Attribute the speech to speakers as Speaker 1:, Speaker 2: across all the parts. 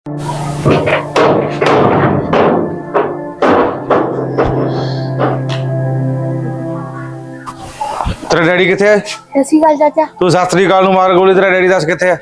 Speaker 1: तेरा डैडी किथे है?
Speaker 2: सत श्री अकाल चाचा।
Speaker 1: तू सत श्री अकाल नूं मार गोली, तेरा डैडी दस किथे है?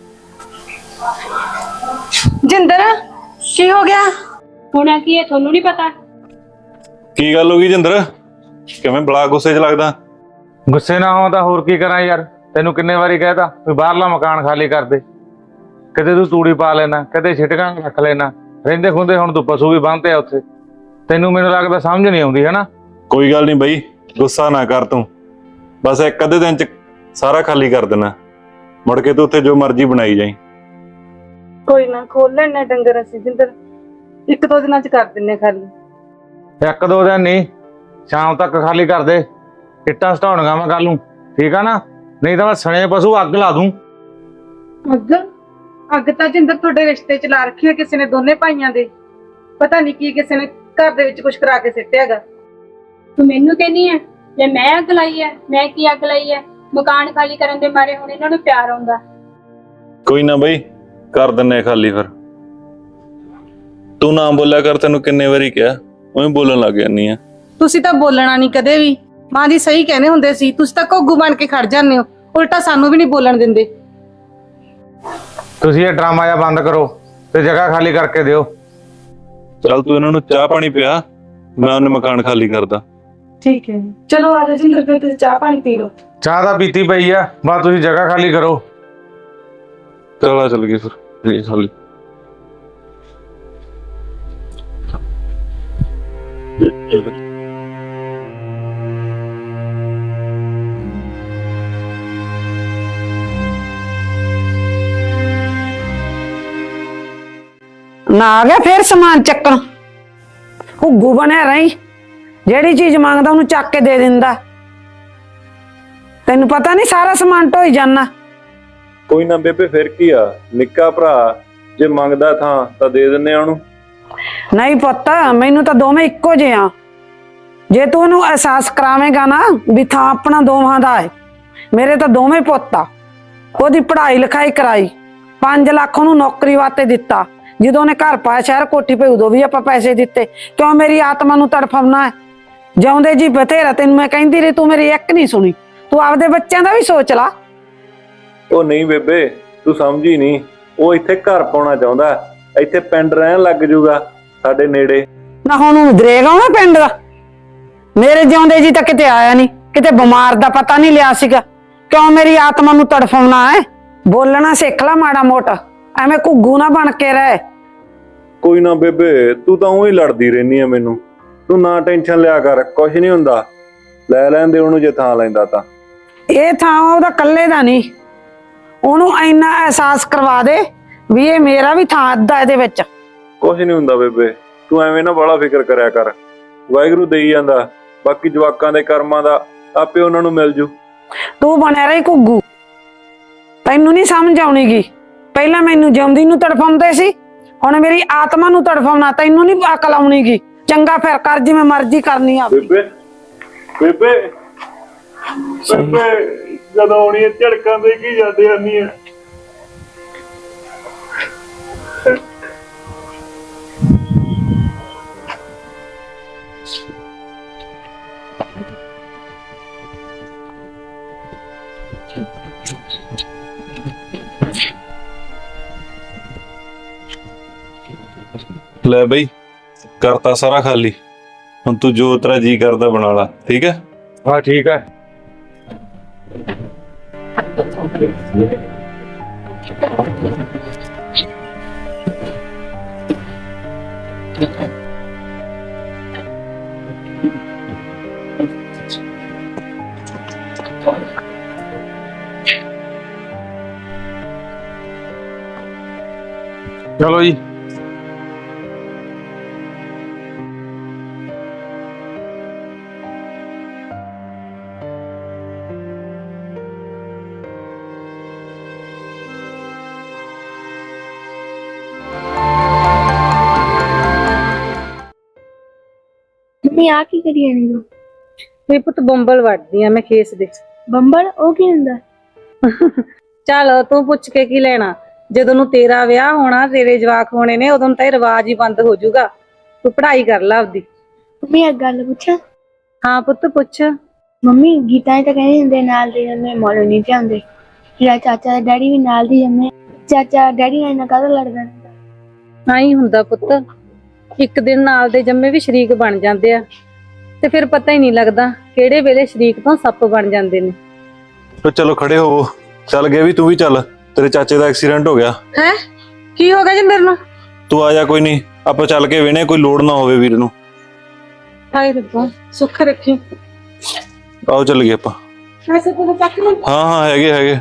Speaker 3: जिंदर की हो गया?
Speaker 2: होना की है थोनू नहीं पता?
Speaker 4: की गल हो गई जिंदर? किवें बड़ा गुस्से च लगदा?
Speaker 1: गुस्से ना हो तां होर की करां यार। तैनूं किन्ने वारी कहता भी बाहरला मकान खाली कर दे। किते तू तूड़ी पा लेना, किते छिटकां रख लेना, रहिंदे खुंदे हुण तू पशु भी बंधते आ उत्थे। तैनूं मैनूं लगदा समझ नहीं आउंदी है ना?
Speaker 4: कोई गल नहीं बई, गुस्सा ना कर तू। बस एक अद्धे दिन च सारा खाली कर देना, मुड़ के तू उत्थे जो मर्जी बनाई जाई।
Speaker 3: कोई ना खोल लेना डंगर असीं जिंदर, एक दो दिनां च कर दिन्ने खाली।
Speaker 1: एक दो दिन नहीं, शाम तक खाली कर दे। इट्टां सटाउणगा मैं कल नूं, ठीक है ना? नहीं तो मैं सने पशु अग ला दूं।
Speaker 3: अग अग तां जिंदर तुहाडे रिश्ते च ला रखी है किसी ने, दोने भाइयां दे। पता नहीं की किसी ने घर दे विच कुछ करा के सिੱਟਿਆਗਾ।
Speaker 2: तू मैनू कहनी है जे मैं अग लाई है? मैं की अग लाई है? मकान खाली करन दे मारे हुण इन्हां नूं प्यार आउंदा।
Speaker 4: कोई ना बई, कर दिन्ने खाली। फिर तू ना बोलिया कर, तेनू किन्ने वारी कहा, उवें बोलन लग जानी है।
Speaker 3: ਤੁਸੀਂ ਤਾਂ ਬੋਲਣਾ ਨਹੀਂ ਕਦੇ ਵੀ, ਮਾਂ ਦੀ ਸਹੀ ਕਹਿੰਦੇ ਹੁੰਦੇ ਸੀ। ਤੁਸੀਂ ਤਾਂ ਘੋਗੂ ਬਣ ਕੇ ਖੜ ਜਾਂਦੇ ਹੋ, ਉਲਟਾ ਸਾਨੂੰ ਵੀ ਨਹੀਂ ਬੋਲਣ ਦਿੰਦੇ।
Speaker 1: ਤੁਸੀਂ ਇਹ ਡਰਾਮਾ ਜਿਹਾ ਬੰਦ ਕਰੋ ਤੇ ਜਗ੍ਹਾ ਖਾਲੀ ਕਰਕੇ ਦਿਓ।
Speaker 4: चल तू इन्हां नूं चाह पानी पिया, मैं उन्हें मकान खाली करदा।
Speaker 3: ठीक है चलो आ जाओ जिंदर, फिर तुसीं चाह पानी पी लो।
Speaker 1: ਚਾਹ ਤਾਂ ਪੀਤੀ ਪਈ ਆ, ਬਸ ਤੁਸੀਂ ਜਗ੍ਹਾ ਖਾਲੀ ਕਰੋ।
Speaker 4: चला चल गई फिर ये खाली।
Speaker 5: ना आ गया फिर समान चक्कन, घुग्गू बनया रही। जेड़ी चीज मांगदा उन्हें चक के दे दिंदा। तेनू पता नहीं सारा समान ढोई जाना।
Speaker 4: कोई ना बेबे, फिर की आ, निक्का भरा जे मंगदा था तां दे दिन्ने आ उहनूं।
Speaker 5: नहीं पुत्त, मैनू तो दोवें इक्को जे आ। जे तू उन्हें एहसास करावेगा ना भी थां अपना दोवां दा है। मेरे तो दोवें पुत्त आ। ओदी पढ़ाई लिखाई कराई, 5 लाख उन्हें नौकरी वास्ते दिता। ਜਦੋਂ ਨੇ ਘਰ ਪਾਇਆ ਸ਼ਹਿਰ ਕੋਠੀ ਪਈ, ਉਦੋਂ ਵੀ ਆਪਾਂ ਪੈਸੇ ਦਿੱਤੇ। ਕਿਉਂ ਮੇਰੀ ਆਤਮਾ ਨੂੰ ਤੜਫਾਉਣਾ ਹੈ? ਜਿਉਂਦੇ ਜੀ ਬਥੇਰਾ ਤੈਨੂੰ ਮੈਂ ਕਹਿੰਦੀ ਰਹੀ, ਤੂੰ ਮੇਰੀ ਇੱਕ ਨਹੀਂ ਸੁਣੀ। ਤੂੰ ਆਪਦੇ ਬੱਚਿਆਂ ਦਾ ਵੀ ਸੋਚ ਲਾ।
Speaker 4: ਉਹ ਨਹੀਂ ਬੇਬੇ, ਤੂੰ ਸਮਝੀ ਨਹੀਂ। ਉਹ ਇੱਥੇ ਘਰ ਪਾਉਣਾ ਚਾਹੁੰਦਾ, ਇੱਥੇ ਪਿੰਡ ਰਹਿਣ ਲੱਗ ਜੂਗਾ ਸਾਡੇ ਨੇੜੇ।
Speaker 5: ਨਾ ਹੁਣ ਉਹਨੂੰ ਦਰੇਗਾ ਨਾ ਪਿੰਡ ਦਾ। ਮੇਰੇ ਜਿਉਂਦੇ ਜੀ ਤਾਂ ਕਿਤੇ ਆਇਆ ਨਹੀਂ, ਕਿਤੇ ਬਿਮਾਰ ਦਾ ਪਤਾ ਨਹੀਂ ਲਿਆ ਸੀਗਾ। ਕਿਉਂ ਮੇਰੀ ਆਤਮਾ ਨੂੰ ਤੜਫਾਉਣਾ ਹੈ? ਬੋਲਣਾ ਸਿੱਖ ਲੈ ਮਾੜਾ ਮੋਟਾ, ਐਵੇਂ ਘੁੱਗੂ ਨਾ ਬਣ ਕੇ ਰਹਿ।
Speaker 4: ਕੋਈ ਨਾ ਬੇਬੇ, ਤੂੰ ਤਾਂ ਉਹੀ ਲੜਦੀ ਰਹਿਨੀ ਆ ਮੈਨੂੰ। ਤੂੰ ਨਾ ਟੈਨਸ਼ਨ ਲਿਆ ਕਰ, ਕੁਛ ਨਹੀਂ ਹੁੰਦਾ। ਲੈ ਲੈਂਦੇ ਉਹਨੂੰ ਜੇ ਥਾਂ ਲੈਂਦਾ ਤਾਂ।
Speaker 5: ਇਹ ਥਾਂ ਉਹਦਾ ਕੱਲੇ ਦਾ ਨਹੀਂ, ਉਹਨੂੰ ਇੰਨਾ ਅਹਿਸਾਸ ਕਰਵਾ ਦੇ ਵੀ ਇਹ ਮੇਰਾ ਵੀ ਥਾਂ ਅੱਧਾ ਇਹਦੇ ਵਿੱਚ।
Speaker 4: ਕੁਛ ਨਹੀਂ ਹੁੰਦਾ ਬੇਬੇ, ਤੂੰ ਐਵੇਂ ਨਾ ਬੜਾ ਫਿਕਰ ਕਰਿਆ ਕਰ। ਵਾਹਿਗੁਰੂ ਦੇਈ ਜਾਂਦਾ, ਬਾਕੀ ਜਵਾਕਾਂ ਦੇ ਕਰਮਾਂ ਦਾ ਆਪੇ ਉਹਨਾਂ ਨੂੰ ਮਿਲ ਜੂ।
Speaker 5: ਤੂੰ ਬਣਿਆ ਰਹੀ ਘੁੱਗੂ, ਤੈਨੂੰ ਨਹੀਂ ਸਮਝ ਆਉਣੀਗੀ। ਪਹਿਲਾਂ ਮੈਨੂੰ ਜਿਉਂਦੀ ਨੂੰ ਤੜਫਾਉਂਦੇ ਸੀ, ਹੁਣ ਮੇਰੀ ਆਤਮਾ ਨੂੰ ਤੜਫਾਉਣਾ। ਤੈਨੂੰ ਨਹੀਂ ਅਕਲ ਆਉਣੀਗੀ। ਚੰਗਾ ਫਿਰ ਕਰ ਜਿਵੇਂ ਮਰਜ਼ੀ ਕਰਨੀ ਆ।
Speaker 4: ਬੇਬੇ ਬੇਬੇ ਬੇਬੇ ਜਦੋਂ ਆਉਣੀ ਹੈ ਝੜਕਾਂ ਦੇ ਕੀ ਜਾਂਦੇ ਆਨੀ ਹੈ। ਲੈ ਬਈ, ਕਰਤਾ ਸਾਰਾ ਖਾਲੀ। ਹੁਣ ਤੂੰ ਜੋ ਤੇਰਾ ਜੀ ਕਰਦਾ ਬਣਾ ਲਾ, ਠੀਕ ਹੈ?
Speaker 1: ਹਾਂ ਠੀਕ ਹੈ। चलो जी।
Speaker 2: नहीं आ की करी जाने दो।
Speaker 3: ਮੇਰੇ ਪੁੱਤ ਬੰਬਲ ਵੱਢਦੀ ਆ ਮੈਂ ਖੇਸ ਦੇ।
Speaker 2: ਬੰਬਲ ਉਹ ਕੀ ਹੁੰਦਾ?
Speaker 3: ਚੱਲ ਤੂੰ ਪੁੱਛ ਕੇ ਕੀ ਲੈਣਾ। ਜਦੋਂ ਨੂੰ ਤੇਰਾ ਵਿਆਹ ਹੋਣਾ, ਤੇਰੇ ਜਵਾਕ ਹੋਣੇ ਨੇ, ਉਦੋਂ ਤਾਂ ਇਹ ਰਿਵਾਜ ਹੀ ਬੰਦ ਹੋ ਜਾਊਗਾ। ਤੂੰ ਪੜ੍ਹਾਈ ਕਰ ਲੈ ਆਪਦੀ।
Speaker 6: ਮੰਮੀ ਇੱਕ ਗੱਲ ਪੁੱਛਾਂ?
Speaker 3: ਹਾਂ ਪੁੱਤ ਪੁੱਛ।
Speaker 6: ਮੰਮੀ ਗੀਤਾ ਤਾਂ ਕਹਿੰਦੇ ਹੁੰਦੇ ਨਾਲ ਦੇ ਜੰਮੇ ਮੋੜੋ ਨਹੀਂ ਜਾਂਦੇ। ਮੇਰਾ ਚਾਚਾ ਦਾ ਡੈਡੀ ਵੀ ਨਾਲ ਦੀ ਜੰਮੇ। ਚਾਚਾ ਡੈਡੀ ਨਾਲ ਇੰਨਾ ਕਾਹਦਾ ਲੜਦਾ ਰਹਿੰਦਾ?
Speaker 3: ਆਈ ਹੁੰਦਾ ਪੁੱਤ, ਇੱਕ ਦਿਨ ਨਾਲ ਦੇ ਜੰਮੇ ਵੀ ਸ਼ਰੀਕ ਬਣ ਜਾਂਦੇ ਆ ਤੇ ਫਿਰ ਪਤਾ ਹੀ ਨਹੀਂ ਲੱਗਦਾ ਕਿਹੜੇ ਵੇਲੇ ਸ਼ਰੀਕ ਤੋਂ ਸੱਪ ਬਣ ਜਾਂਦੇ ਨੇ।
Speaker 4: ਤੇ ਚਲੋ ਖੜੇ ਹੋਵੋ, ਚੱਲ ਗਏ ਵੀ ਤੂੰ ਵੀ ਚੱਲ, ਤੇਰੇ ਚਾਚੇ ਦਾ ਐਕਸੀਡੈਂਟ ਹੋ ਗਿਆ।
Speaker 3: ਹੈ ਕੀ ਹੋ ਗਿਆ ਜਿੰਦਰ ਨੂੰ?
Speaker 4: ਤੂੰ ਆ ਜਾ, ਕੋਈ ਨਹੀਂ ਆਪਾਂ ਚੱਲ ਕੇ ਵੇਣੇ, ਕੋਈ ਲੋੜ ਨਾ ਹੋਵੇ ਵੀਰ ਨੂੰ।
Speaker 3: ਹਾਏ ਰੱਬਾ ਸੁੱਖ ਰੱਖੀ।
Speaker 4: ਆਓ ਚੱਲ ਗਏ ਆਪਾਂ।
Speaker 3: ਐਸੇ ਕੋਲ ਚੱਕ ਲੈ।
Speaker 4: ਹਾਂ ਹਾਂ ਹੈਗੇ।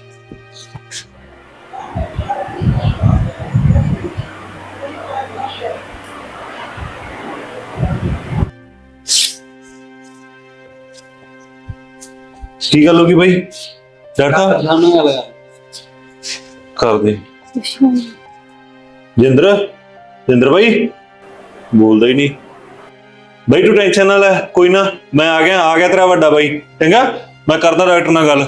Speaker 4: ਕੀ ਗੱਲ ਹੋ ਗਈ ਬਾਈ? ਡਾਕਟਰ ਸਾਹਮਣੇ ਆ ਲਗਾ ਕਰ ਦੇ। ਜਿੰਦਰ ਬਾਈ ਬੋਲਦਾ ਹੀ ਨਹੀਂ। ਬਾਈ ਤੂੰ ਟੈਨਸ਼ਨ ਨਾ ਲੈ, ਕੋਈ ਨਾ, ਮੈਂ ਆ ਗਿਆ ਤੇਰਾ ਵੱਡਾ ਬਾਈ। ਚੰਗਾ, ਮੈਂ ਕਰਦਾ ਡਾਕਟਰ ਨਾਲ ਗੱਲ।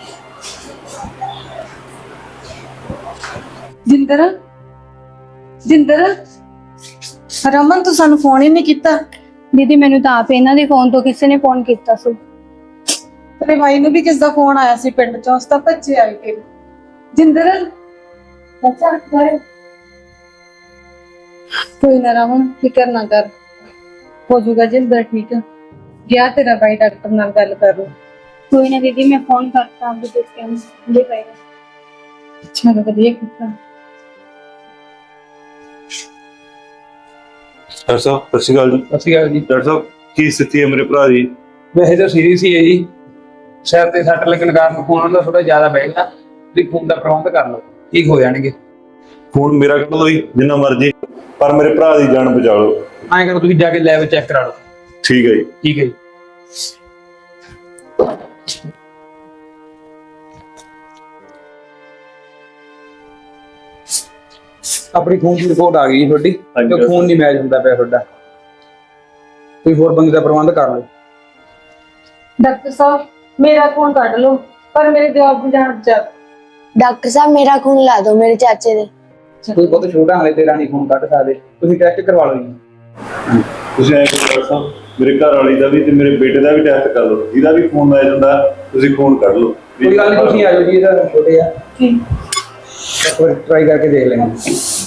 Speaker 3: ਜਿੰਦਰ ਰਮਨ ਤੂੰ ਸਾਨੂੰ ਫੋਨ ਹੀ ਨਹੀਂ ਕੀਤਾ।
Speaker 2: ਦੀਦੀ ਮੈਨੂੰ ਤਾਂ ਆਪ ਇਹਨਾਂ ਦੇ ਫੋਨ ਤੋਂ ਕਿਸੇ ਨੇ ਫੋਨ ਕੀਤਾ ਸੀ।
Speaker 3: ਤੇਰੇ ਭਾਈ ਨੂੰ ਵੀ ਕਿਸ ਦਾ ਫੋਨ ਆਇਆ ਸੀ ਪਿੰਡ ਚੋਂ, ਉਸ ਦਾ ਭੱਜੇ ਆਏ ਕੇ। ਜਿੰਦਰ ਅੱਛਾ ਕੋਈ ਨਾ ਰਮਨ, ਫਿਕਰ ਨਾ ਕਰ, ਹੋ ਜਾਊਗਾ ਜਿੰਦਰ ਠੀਕ। ਗਿਆ ਤੇਰਾ ਭਾਈ ਡਾਕਟਰ ਨਾਲ ਗੱਲ ਕਰ ਲਓ।
Speaker 2: ਕੋਈ ਨਾ ਦੀਦੀ ਮੈਂ ਫੋਨ ਕਰਤਾ ਆਪਦੇ ਦੋਸਤਾਂ ਨੂੰ ਦੇ ਪਏਗਾ।
Speaker 3: ਅੱਛਾ ਵਧੀਆ ਕੀਤਾ।
Speaker 4: ਡਾਕਟਰ ਸਾਹਿਬ ਸਤਿ ਸ਼੍ਰੀ ਅਕਾਲ ਜੀ।
Speaker 7: ਸਤਿ ਸ਼੍ਰੀ ਅਕਾਲ ਜੀ।
Speaker 4: ਡਾਕਟਰ ਸਾਹਿਬ ਕੀ ਸਥਿਤੀ ਹੈ ਮੇਰੇ ਭਰਾ ਦੀ?
Speaker 7: ਵੈਸੇ ਤਾਂ ਸੀਰੀਅਸ ਹੀ ਹੈ ਜੀ, ਸਿਰ ਤੇ ਸੱਟ ਲੱਗਣ ਕਾਰਨ ਖੂਨ ਉਹਦਾ ਥੋੜਾ ਜ਼ਿਆਦਾ ਵਹਿ ਗਿਆ। ਤੁਸੀਂ ਖੂਨ ਦਾ ਪ੍ਰਬੰਧ ਕਰ ਲਓ, ਠੀਕ ਹੋ ਜਾਣਗੇ।
Speaker 4: ਖੂਨ ਮੇਰਾ ਕੱਢ ਲਓ ਜੀ ਜਿੰਨਾ ਮਰਜ਼ੀ, ਪਰ ਮੇਰੇ ਭਰਾ ਦੀ ਜਾਨ ਬਚਾ ਲਓ।
Speaker 7: ਐਂ ਕਰੋ ਤੁਸੀਂ ਜਾ ਕੇ ਲੈਬ ਚੈੱਕ ਕਰਾ ਲਓ।
Speaker 4: ਠੀਕ ਹੈ ਜੀ।
Speaker 7: ਠੀਕ ਹੈ ਜੀ। ਆਪਣੀ ਖੂਨ ਦੀ ਰਿਪੋਰਟ ਆ ਗਈ ਜੀ ਤੁਹਾਡੀ,
Speaker 4: ਹਾਂਜੀ।
Speaker 7: ਤੇ ਖੂਨ ਨਹੀਂ ਮੈਚ ਹੁੰਦਾ ਪਿਆ ਤੁਹਾਡਾ। ਕੋਈ ਹੋਰ ਬੰਦੇ ਦਾ ਪ੍ਰਬੰਧ ਕਰ ਲਓ।
Speaker 3: ਡਾਕਟਰ ਸਾਹਿਬ ਮੇਰਾ ਖੂਨ ਕੱਢ ਲਓ, ਪਰ ਮੇਰੇ ਜਵਾਬ ਦੀ ਜਾਨ ਬਚਾ।
Speaker 6: ਡਾਕਟਰ ਸਾਹਿਬ ਮੇਰਾ ਖੂਨ ਲਾ ਦਿਓ ਮੇਰੇ ਚਾਚੇ ਦੇ।
Speaker 7: ਕੋਈ ਬਹੁਤ ਛੋਟਾ ਹਾਲੇ ਤੇਰਾ ਨਹੀਂ ਖੂਨ ਕੱਢ ਸਕਦੇ, ਤੁਸੀਂ ਟੈਸਟ ਕਰਵਾ ਲਓ ਜੀ।
Speaker 4: ਤੁਸੀਂ ਐਂ ਕਰੋ ਡਾਕਟਰ ਸਾਹਿਬ, ਮੇਰੇ ਘਰ ਵਾਲੀ ਦਾ ਵੀ ਤੇ ਮੇਰੇ ਬੇਟੇ ਦਾ ਵੀ ਟੈਸਟ ਕਰ ਲਓ, ਇਹਦਾ ਵੀ ਖੂਨ ਮੈਚ ਹੁੰਦਾ, ਤੁਸੀਂ ਖੂਨ ਕੱਢ ਲਓ।
Speaker 7: ਕੋਈ ਗੱਲ ਨਹੀਂ, ਤੁਸੀਂ ਆ ਜਾਓ ਜੀ, ਇਹਦਾ ਛੋਟੇ ਆ।
Speaker 3: ਠੀਕ
Speaker 7: ਇੱਕ ਵਾਰ ਟਰਾਈ ਕਰਕੇ ਦੇਖ ਲੈਂਗੇ।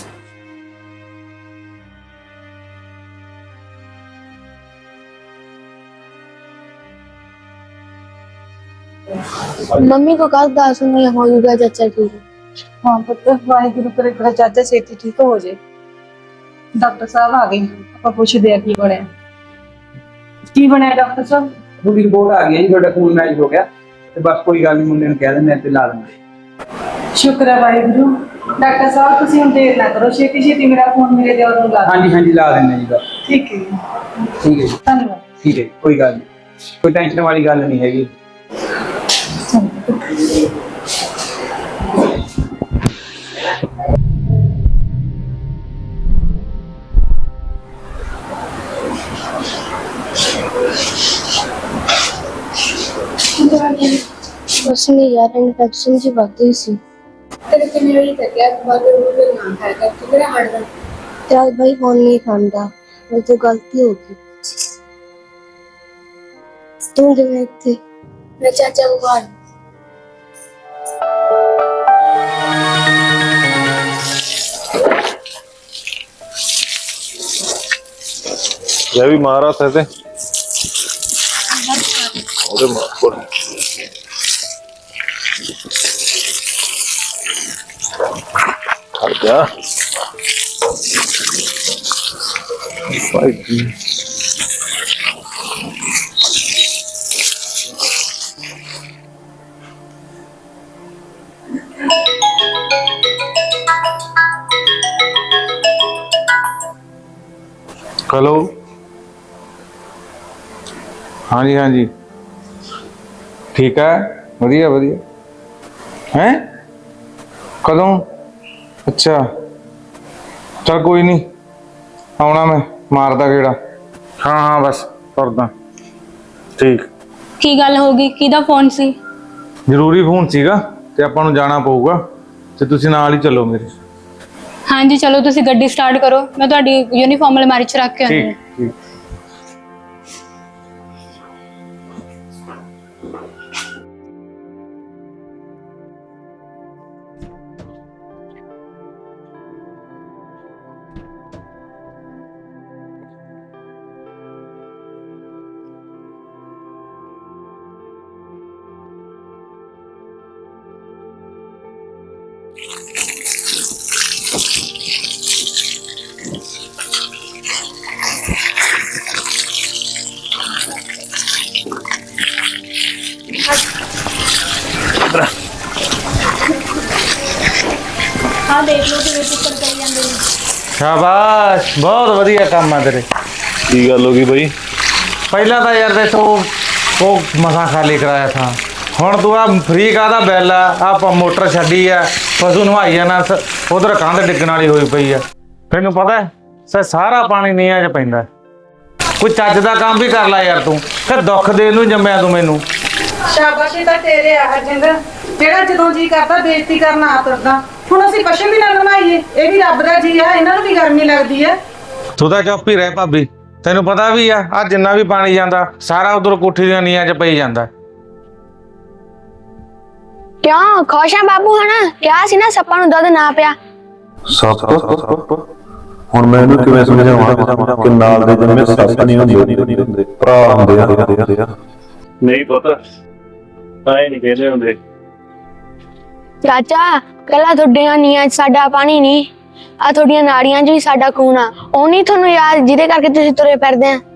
Speaker 6: मम्मी को कल 10 में हो जाएगा चाचा ठीक है।
Speaker 3: ਹਾਂ ਪੁੱਤ, ਵਾਹਿਗੁਰੂ ਕਰੇ ਤੇਰਾ ਚਾਚਾ ਛੇਤੀ ਠੀਕ ਹੋ ਜੇ। ਡਾਕਟਰ ਸਾਹਿਬ ਆ ਗਏ, ਆਪਾਂ ਪੁੱਛਦੇ ਆ ਕੀ ਬਣਿਆ। ਕੀ ਬਣਿਆ ਡਾਕਟਰ ਸਾਹਿਬ?
Speaker 7: ਤੁਹਾਡੀ ਰਿਪੋਰਟ ਆ ਗਈ ਹੈ ਜੀ, ਤੁਹਾਡਾ ਖੂਨ ਮੈਚ ਹੋ ਗਿਆ ਤੇ ਬਸ ਕੋਈ ਗੱਲ ਨਹੀਂ, ਮੁੰਡੇ ਨੂੰ ਕਹਿ ਦਿੰਦੇ ਆ ਤੇ ਲਾ ਦਿੰਦੇ।
Speaker 3: ਸ਼ੁਕਰ ਹੈ ਵਾਹਿਗੁਰੂ। ਡਾਕਟਰ ਸਾਹਿਬ ਤੁਸੀਂ ਹੁਣ ਦੇਰ ਨਾ ਕਰੋ, ਛੇਤੀ ਛੇਤੀ ਮੇਰਾ ਫੋਨ ਮੇਰੇ ਦਿਓਰ ਨੂੰ ਲਾ ਦਿਓ।
Speaker 7: ਹਾਂਜੀ ਹਾਂਜੀ ਲਾ ਦਿੰਦੇ ਜੀ ਬਸ।
Speaker 3: ਠੀਕ ਹੈ ਜੀ,
Speaker 7: ਠੀਕ ਹੈ ਜੀ,
Speaker 3: ਧੰਨਵਾਦ।
Speaker 7: ਠੀਕ ਹੈ ਜੀ, ਕੋਈ ਗੱਲ ਨਹੀਂ, ਕੋਈ ਟੈਨਸ਼ਨ ਵਾਲੀ ਗੱਲ ਨਹੀਂ ਹੈਗੀ।
Speaker 6: कुछ नहीं यार, इन्फेक्शन जी बढ़ गई सी।
Speaker 2: तेरे कितने बजे तक है बाद में ना खाया कर तो मेरा हट गया।
Speaker 6: चल भाई फोन नहीं खांदा, मेरी तो गलती हो गई। तुम कितने थे?
Speaker 2: मैं चाचा को कहा
Speaker 4: जय भी महाराज है ते अरे मार क्या
Speaker 1: हेलो हाँ जी ठीक है वधिया वधिया हैं कदों अच्छा चल कोई नहीं आना मैं मारदा गेड़ा हाँ बस करदा ठीक
Speaker 2: की गल होगी किदा फोन सी
Speaker 1: ਜ਼ਰੂਰੀ ਫੋਨ ਸੀਗਾ ਤੇ ਆਪਾਂ ਨੂੰ ਜਾਣਾ ਪਊਗਾ ਤੇ ਤੁਸੀਂ ਨਾਲ ਹੀ ਚੱਲੋ ਮੇਰੇ।
Speaker 2: ਹਾਂਜੀ ਚਲੋ ਤੁਸੀਂ ਗੱਡੀ ਸਟਾਰਟ ਕਰੋ, ਮੈਂ ਤੁਹਾਡੀ ਯੂਨੀਫਾਰਮ ਅਲਮਾਰੀ 'ਚ ਰੱਖ ਕੇ ਆਉਂਦੀ ਹਾਂ।
Speaker 1: ਠੀਕ।
Speaker 2: ਹਾਂ ਦੇਖ ਲਓ ਕਿਵੇਂ ਚੁੱਕਰ ਕਰੀ ਜਾਂਦੇ ਨੇ।
Speaker 1: ਸ਼ਾਬਾਸ਼, ਬਹੁਤ ਵਧੀਆ ਕੰਮ ਆ ਤੇਰੇ।
Speaker 4: ਕੀ ਗੱਲ ਹੋ ਗਈ ਬਾਈ?
Speaker 1: ਪਹਿਲਾਂ ਤਾਂ ਯਾਰ ਦੇਖੋ ਉਹ ਮਸਾਂ ਖਾਲੀ ਕਰਾਇਆ ਥਾ, ਹੁਣ ਤੂੰ ਆ ਫ੍ਰੀ ਕਾਹਦਾ ਬਿੱਲ ਆ? ਆਪਾਂ ਮੋਟਰ ਛੱਡੀ ਆ, ਪਸ਼ੂ ਨਵਾਈ ਜਾਣਾ, ਉਧਰ ਕੰਧ ਡਿੱਗਣ ਵਾਲੀ ਹੋਈ ਪਈ ਆ। ਤੈਨੂੰ ਪਤਾ ਸਾਰਾ ਪਾਣੀ ਨੀਹਾਂ 'ਚ ਪੈਂਦਾ। ਕੋਈ ਚੱਜ ਦਾ ਕੰਮ ਵੀ ਕਰ ਲੈ ਯਾਰ ਤੂੰ, ਕਿ ਦੁੱਖ ਦੇਣ ਨੂੰ ਜੰਮਿਆ ਤੂੰ ਮੈਨੂੰ।
Speaker 3: ਸ਼ਾਬਾਸ਼ੀ ਤਾਂ ਤੇਰੇ ਆ ਹਰਜਿੰਦਰ, ਜਿਹੜਾ ਜਦੋਂ ਜੀ ਕਰਦਾ ਬੇਇੱਜ਼ਤੀ ਕਰਨਾ ਆ ਤੁਰਦਾ। ਹੁਣ ਅਸੀਂ ਪਸ਼ੂ ਵੀ ਨਾ ਨਵਾਈਏ, ਇਹ ਵੀ ਰੱਬ ਦਾ ਜੀ ਆ, ਇਹਨਾਂ ਨੂੰ ਵੀ ਗਰਮੀ ਲੱਗਦੀ ਹੈ।
Speaker 1: ਤੂੰ ਤਾਂ ਚੁੱਪ ਹੀ ਰਹਿ ਭਾਬੀ, ਤੈਨੂੰ ਪਤਾ ਵੀ ਆ ਜਿੰਨਾ ਵੀ ਪਾਣੀ ਜਾਂਦਾ ਸਾਰਾ ਉਧਰ ਕੋਠੀ ਦੀਆਂ ਨੀਹਾਂ 'ਚ ਪਈ ਜਾਂਦਾ।
Speaker 6: ਕਿਉਂ ਖੁਸ਼ ਆ ਬਾਬੂ? ਹਨਾ ਕਿਹਾ ਸੀ ਨਾ ਸੱਪਾਂ ਨੂੰ ਦੁੱਧ ਨਾ ਪਿਆ।
Speaker 4: ਸੱਪ? ਹੁਣ ਮੈਂ ਇਹਨੂੰ ਕਿਵੇਂ ਸਮਝਾਵਾਂ ਕਿ ਨਾਲ ਦੇ ਜਨਮੇ ਸੱਪ ਨਹੀਂ ਹੁੰਦੇ, ਭਰਾ ਹੁੰਦੇ ਆ। ਨਹੀਂ ਪਤਾ, ਐ ਨਹੀਂ ਕਹਿੰਦੇ ਹੁੰਦੇ।
Speaker 6: ਚਾਚਾ ਕੱਲਾ ਤੁਹਾਡੀਆਂ ਨੀਆਂ 'ਚ ਸਾਡਾ ਪਾਣੀ ਨਹੀਂ, ਆ ਤੁਹਾਡੀਆਂ ਨਾੜੀਆਂ 'ਚ ਵੀ ਸਾਡਾ ਖੂਨ ਆ। ਉਹ ਨਹੀਂ ਤੁਹਾਨੂੰ ਯਾਦ ਜਿਹਦੇ ਕਰਕੇ ਤੁਸੀਂ ਤੁਰੇ ਫਿਰਦੇ ਆ।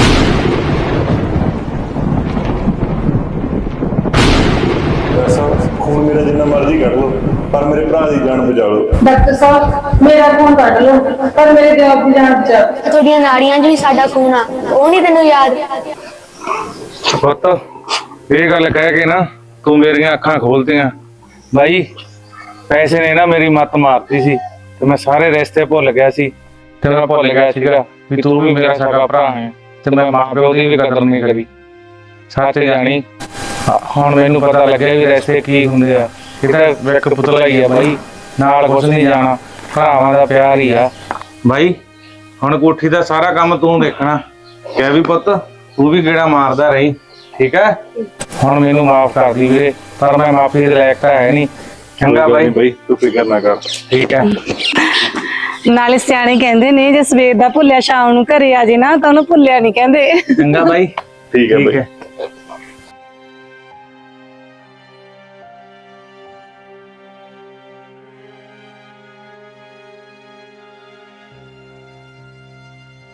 Speaker 4: ਖੂਨ ਮੇਰਾ ਜਿੰਨਾ ਮਰਜ਼ੀ ਕੱਢ ਲਓ, ਪਰ ਮੇਰੇ ਭਰਾ ਦੀ ਜਾਨ ਬਚਾ ਲਓ।
Speaker 3: ਡਾਕਟਰ ਸਾਹਿਬ ਮੇਰਾ ਖੂਨ ਕੱਢ ਲਓ, ਪਰ ਮੇਰੇ ਜਵਾਬ ਦੀ ਜਾਨ ਬਚਾ।
Speaker 6: ਤੁਹਾਡੀਆਂ ਨਾੜੀਆਂ 'ਚ ਵੀ ਸਾਡਾ ਖੂਨ ਆ, ਉਹ ਨਹੀਂ ਤੈਨੂੰ ਯਾਦ?
Speaker 1: ਪੁੱਤ ਇਹ ਗੱਲ ਕਹਿ ਕੇ ਨਾ ਤੂੰ ਮੇਰੀਆਂ ਅੱਖਾਂ ਖੋਲਤੀਆਂ। ਬਾਈ ਪੈਸੇ ਨੇ ਨਾ ਮੇਰੀ ਮੱਤ ਮਾਰਤੀ ਸੀ ਤੇ ਮੈਂ ਸਾਰੇ ਰਿਸ਼ਤੇ ਭੁੱਲ ਗਿਆ ਸੀ, ਤੇ ਮੈਂ ਭੁੱਲ ਗਿਆ ਸੀਗਾ ਵੀ ਤੂੰ ਵੀ ਮੇਰਾ ਸਗਾ ਭਰਾ ਹੈ, ਤੇ ਮੈਂ ਮਾਂ ਪਿਓ ਦੀ ਵੀ ਕਦਰ ਨਹੀਂ ਕਰੀ। ਸੱਚ ਜਾਣੀ ਹੁਣ ਮੈਨੂੰ ਪਤਾ ਲੱਗਿਆ ਵੀ ਰਿਸ਼ਤੇ ਕੀ ਹੁੰਦੇ ਆ। ਇਹ ਤਾਂ ਇੱਕ ਪੁਤਲਾ ਹੀ ਆ ਬਾਈ, ਨਾਲ ਕੁਛ ਨਹੀਂ ਜਾਣਾ, ਭਰਾਵਾਂ ਦਾ ਪਿਆਰ ਹੀ ਆ। ਬਾਈ ਹੁਣ ਕੋਠੀ ਦਾ ਸਾਰਾ ਕੰਮ ਤੂੰ ਦੇਖਣਾ, ਕਹਿ ਵੀ ਪੁੱਤ ਤੂੰ ਵੀ ਗੇੜਾ ਮਾਰਦਾ ਰਹੀ, ਠੀਕ ਹੈ? ਹੁਣ ਮੈਨੂੰ ਮਾਫ ਕਰ ਦੀ ਵੀਰੇ, ਪਰ ਮੈਂ ਮਾਫੀ ਦੇ ਲਾਇਕ ਤਾਂ ਹੈ ਨਹੀਂ। ਚੰਗਾ ਬਾਈ,
Speaker 4: ਤੂੰ ਫਿਕਰ ਨਾ ਕਰ।
Speaker 1: ਠੀਕ ਹੈ।
Speaker 5: ਨਾਲੇ ਸਿਆਣੇ ਕਹਿੰਦੇ ਨੇ ਜੇ ਸਵੇਰ ਦਾ ਭੁੱਲਿਆ ਸ਼ਾਮ ਨੂੰ ਘਰੇ ਆ ਜੇ ਨਾ ਤਾਂ ਉਹਨੂੰ ਭੁੱਲਿਆ ਨਹੀਂ ਕਹਿੰਦੇ।
Speaker 1: ਚੰਗਾ ਬਾਈ,
Speaker 4: ਠੀਕ ਹੈ ਬਾਈ।